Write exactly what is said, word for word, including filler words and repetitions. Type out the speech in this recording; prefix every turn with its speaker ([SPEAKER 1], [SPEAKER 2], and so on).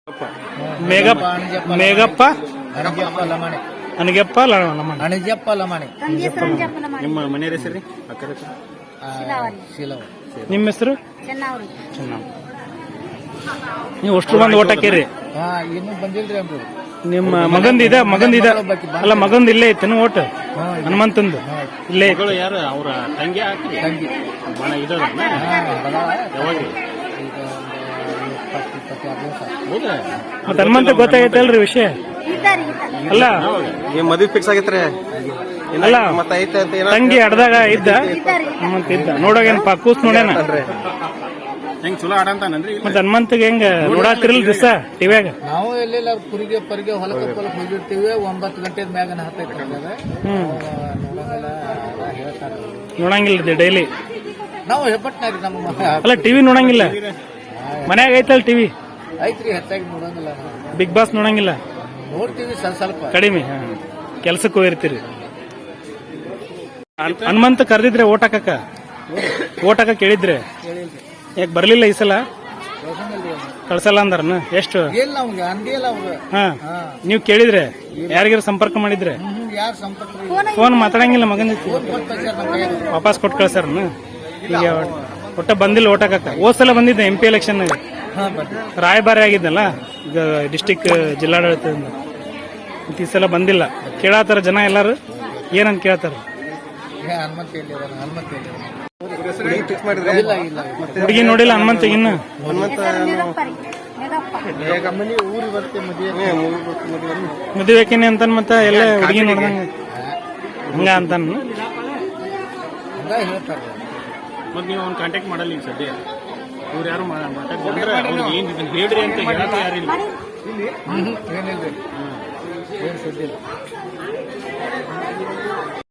[SPEAKER 1] ಮೇಘಪ್ಪ ಮೇಘಪ್ಪ
[SPEAKER 2] ಅಣಜಪ್ಪ ಲಮಾಣಿ
[SPEAKER 1] ಅನಗೆಪ್ಪ ಲಮಣ
[SPEAKER 2] ಅಣಜಪ್ಪ ಲಮಾಣಿ
[SPEAKER 3] ನಿಮ್ಮ ಮನೆ ಹೆಸರು ಅಕ್ಕರ ಹೆಸರು
[SPEAKER 2] ಶಿಲವ.
[SPEAKER 1] ನಿಮ್ಮ ಹೆಸರು
[SPEAKER 4] ಚೆನ್ನಾವ್ರಿ
[SPEAKER 1] ಚೆನ್ನಾಗಿ ನೀವು ಅಷ್ಟು ಬಂದು ಓಟ್ ಹಾಕಿರಿ.
[SPEAKER 2] ಹಾ ಇನ್ನೂ ಬಂದಿಲ್ರಿ ಅಂದ್ರು.
[SPEAKER 1] ನಿಮ್ಮ ಮಗಂದ ಇದ ಮಗಂದ ಇದ ಅಲ್ಲ ಮಗಂದ ಇಲ್ಲೇ ಐತೇನು ಓಟ್ ಹನುಮಂತಂದು ಇಲ್ಲೇ ಐತಿ.
[SPEAKER 3] ಮಗಳು ಯಾರು ಅವ್ರ ತಂಗಿ ಹಾಕಿ
[SPEAKER 2] ತಂಗಿ
[SPEAKER 3] ಬಣ ಇದ
[SPEAKER 2] ಹಾ ಬದಲ
[SPEAKER 3] ಯಾವಾಗ
[SPEAKER 2] ಈಗ ಒಂದು ಇಪ್ಪತ್ತು ಇಪ್ಪತ್ತಾರು ದಿವಸ
[SPEAKER 3] ಹೌದಾ
[SPEAKER 1] ಮತ್ತ ಹನುಮಂತ ಗೊತ್ತಾಗೈತಲ್ರಿ ವಿಷಯ
[SPEAKER 4] ಇದ್ದಾರಿ ಇದ್ದಾರಿ
[SPEAKER 1] ಅಲ್ಲ
[SPEAKER 3] ಏನ್ ಮದ್ವೆ ಫಿಕ್ಸ್ ಆಗೈತ್ರಿ
[SPEAKER 1] ಅಲ್ಲ
[SPEAKER 3] ಮತ್ತೆ ಐತೆ ಅಂತ ಏನ
[SPEAKER 1] ತಂಗಿ ಅಡ್ದಾಗ ಇದ್ದ ಹನುಮಂತ ಇದ್ದ ನೋಡೋಗೇನಪ್ಪ ಕೂಸ್ ನೋಡ್ಯಾನ
[SPEAKER 3] ಹೆಂಗ್ ಚಲೋ ಆಡಂತಾನನ್ರಿ
[SPEAKER 1] ಮತ್ತ ಹನುಮಂತಗೆ ಹೆಂಗ ನೋಡಾತಿರಲ್ ದಿವಸ ಟಿವ್ಯಾಗ
[SPEAKER 2] ನಾವು ಎಲ್ಲೆಲ್ಲ ಕುರಿಗೆ ಪರಿಗೆ ಹೊಲಕ್ಕೆ ಹೊಲಕ್ಕೆ ಹೋಗಿರ್ತೀವಿ. ಒಂಬತ್ತು ಗಂಟೆ ಮ್ಯಾಗನ ಹತ್ತೈತೆ
[SPEAKER 1] ಹ್ಮ್
[SPEAKER 2] ನೋಡಂಗಿಲ್ಲ ಹೇಳ್ತಾರೆ.
[SPEAKER 1] ನೋಡಂಗಿಲ್ಲ ಡೈಲಿ
[SPEAKER 2] ನಾವು ಹೆಬ್ಬಟ್ನಾರಿ ನಮ್ಮ
[SPEAKER 1] ಅಲ್ಲ ಟಿವಿ ನೋಡಂಗಿಲ್ಲ ಮನ್ಯಾಗ ಐತಲ್ ಟಿವಿ
[SPEAKER 2] ಐತ್ರಿ ಹೆಚ್ಚಾಗಿ ನೋಡಂಗಿಲ್ಲ ನಾವು.
[SPEAKER 1] ಬಿಗ್ ಬಾಸ್ ನೋಡಂಗಿಲ್ಲ
[SPEAKER 2] ನೋಡ್ತೀವಿ ಸ್ವಲ್ಪ ಸ್ವಲ್ಪ.
[SPEAKER 1] ಕಡಿಮೆ ಕೆಲ್ಸಕ್ಕೆ ಹೋಗಿರ್ತೀರಿ. ಹನ್- ಹನುಮಂತ ಕರೆದಿದ್ರೆ ಓಟ್ ಹಾಕಕ್ಕ ಓಟ್ ಹಾಕಕ್ ಕೇಳಿದ್ರೆ
[SPEAKER 2] ಹೇಳಿಲ್ರಿ
[SPEAKER 1] ಯಾಕೆ ಬರ್ಲಿಲ್ಲ ಈ ಸಲ
[SPEAKER 2] ಯೋಚನೆಯಲ್ಲಿ
[SPEAKER 1] ಕಳ್ಸಲ್ಲ ಅಂದಾರನ ಎಷ್ಟು
[SPEAKER 2] ಇಲ್ಲ ಅವಂಗ ಅಂದೇ ಇಲ್ಲ ಅವಂಗ.
[SPEAKER 1] ಹಾ
[SPEAKER 2] ಹಾ
[SPEAKER 1] ನೀವ್ ಕೇಳಿದ್ರೆ ಯಾರಿಗಾರ ಸಂಪರ್ಕ ಮಾಡಿದ್ರೆ
[SPEAKER 2] ಹ್ಮ್ ಯಾರು ಸಂಪರ್ಕ
[SPEAKER 1] ಫೋನ್ ಮಾತಾಡಂಗಿಲ್ಲ ಮಗನ ಜೊತೆ.
[SPEAKER 2] ಫೋನ್ ಕೊಟ್ಟು ಕಳ್ಸ್ಯಾರ ನಮ್ಮ ಕೈಯಾಗ.
[SPEAKER 1] ವಾಪಸ್ ಕೊಟ್ಟು ಕಳ್ಸಾರನ ಈಗ ಒಟ್ಟ ಬಂದಿಲ್ಲ ಓಟ್ ಹಾಕಕ್ಕ. ಹೋದ್ ಸಲ ಬಂದಿದ್ದೆ ಎಂ ಪಿ ಎಲೆಕ್ಷನ್
[SPEAKER 2] ಹಾ ಬರ್ರಿ
[SPEAKER 1] ರಾಯಭಾರಿ ಆಗಿದ್ನಲ್ಲ ಈಗ ಡಿಸ್ಟಿಕ್ ಜಿಲ್ಲಾಡಳಿತದಿಂದ ಮತ್ತ್ ಈ ಸಲ ಬಂದಿಲ್ಲ. ಕೇಳಾತಾರ ಜನ ಎಲ್ಲಾರು ಏನಂತ ಕೇಳ್ತಾರ.
[SPEAKER 2] ಏ, ಹನುಮಂತ ಎಲ್ಲಿದಾನ? ಹನುಮಂತ ಎಲ್ಲಿದಾನ?
[SPEAKER 3] ಫಿಕ್ಸ್ ಮಾಡಿದ್ರೆ
[SPEAKER 2] ಇಲ್ಲ ಇಲ್ಲ
[SPEAKER 1] ಹುಡುಗಿ ನೋಡಿಲ್ಲ ಹನುಮಂತ ಇನ್ನು
[SPEAKER 4] ಹೆಸರು ಮೇಘಪ್ಪ ರೀ ಮೇಘಪ್ಪ
[SPEAKER 2] ಮನೆ ಊರಿಗೆ ಬರ್ತೆ ಮದುವೆ
[SPEAKER 1] ಮದುವೆಕಿನಿ ಅಂತಾನ ಮತ್ತ ಎಲ್ಲ ಹುಡುಗಿ ನೋಡ್ದಂಗ ಹಂಗ ಅಂತಾನ.
[SPEAKER 2] ಹಂಗ ಹೇಳ್ತಾರೆ.
[SPEAKER 3] ಮತ್ ನೀವು ಅವ್ನ ಕಾಂಟ್ಯಾಕ್ಟ್ ಮಾಡಲ್ಲ ಈಗ ಸದ್ಯ ಇವ್ರು ಯಾರು ಮಾತಾಡ್ತಾರೆ ಅವ್ರಿಗೆ ಏನ್ ಇದನ್ನ ಹೇಳ್ರಿ ಅಂತ ಹೇಳಕ್ಕೆ ಯಾರಿಲ್ಲ
[SPEAKER 2] ಹ್ಮ್ ಏನಿಲ್ರಿ ಏನ್ ಸುದ್ದಿಲ್ಲ.